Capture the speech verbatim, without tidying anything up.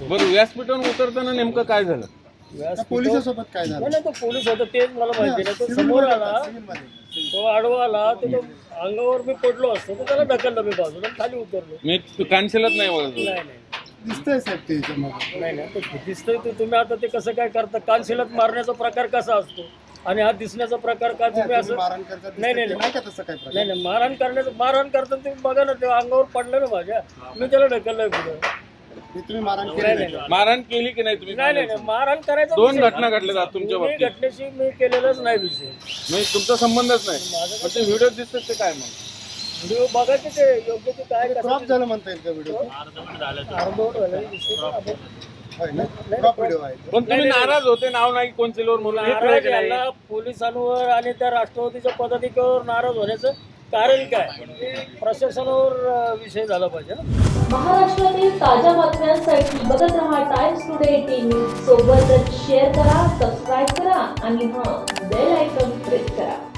बरं, व्यासपीठावरून उतरताना नेमकं काय झालं? पोलिसांसोबत काय झालं? नाही तो पोलीस होता तेच मला माहिती नाही. तो समोर आला, तो आडवा आला, तर तो अंगावर मी पडलो असतो तर त्याला ढकललं मी बाजूला खाली उतरलो. मी कानशिलात नाही बघत. नाही नाही दिसतंय साहेब ते याच्यामध्ये. नाही नाही ते दिसतंय ते. तुम्ही आता ते कसं काय करता? कानशिलात मारण्याचा प्रकार कसा असतो आणि हा दिसण्याचा प्रकार का तुम्ही असं? मारहाण करतात नाही नाही नाही का तसं काय प्रकार? नाही नाही मारहाण करण्याचं मारहाण करताना तुम्ही बघा ना, ते अंगावर पडलं ना माझ्या, मी त्याला ढकललं पुढे. हे तुम्ही मारहाण नाही केली नाही नाही? मारहाण केली की नाही तुम्ही? नाही नाही नाही, मारहाण करायचं दोन घटना घडल्या आहेत तुमच्या मी बाबतीत. घटनेशी मी केलेलाच नाही विषय. म्हणजे तुमचा संबंधच नाही. पण ते व्हिडिओ दिसतात ते काय मग? व्हिडिओ बघा की ते योग्य ते काय क्रॉप झालं म्हणता येईल का व्हिडिओ? अर्धवट झालं दिसतंय का आपण? होय ना? क्रॉप व्हिडिओ आहे तो. पण तुम्ही नाराज होते, नाव नाही कोणचिलवर म्हणून हे नाराज कळायचं नाही. याला पोलिसांवर आणि त्या राष्ट्रवादीच्या पदाधिकाऱ्यावर नाराज होण्याचं कारण काय? प्रशासनावर अं, विषय झाला पाहिजे ना. महाराष्ट्रातील ताज्या बातम्यांसाठी बघत रहा टाइम्स टुडे टीव्ही. सोबतच शेअर करा, सबस्क्राईब करा आणि हां बेल आयकॉन प्रेस करा.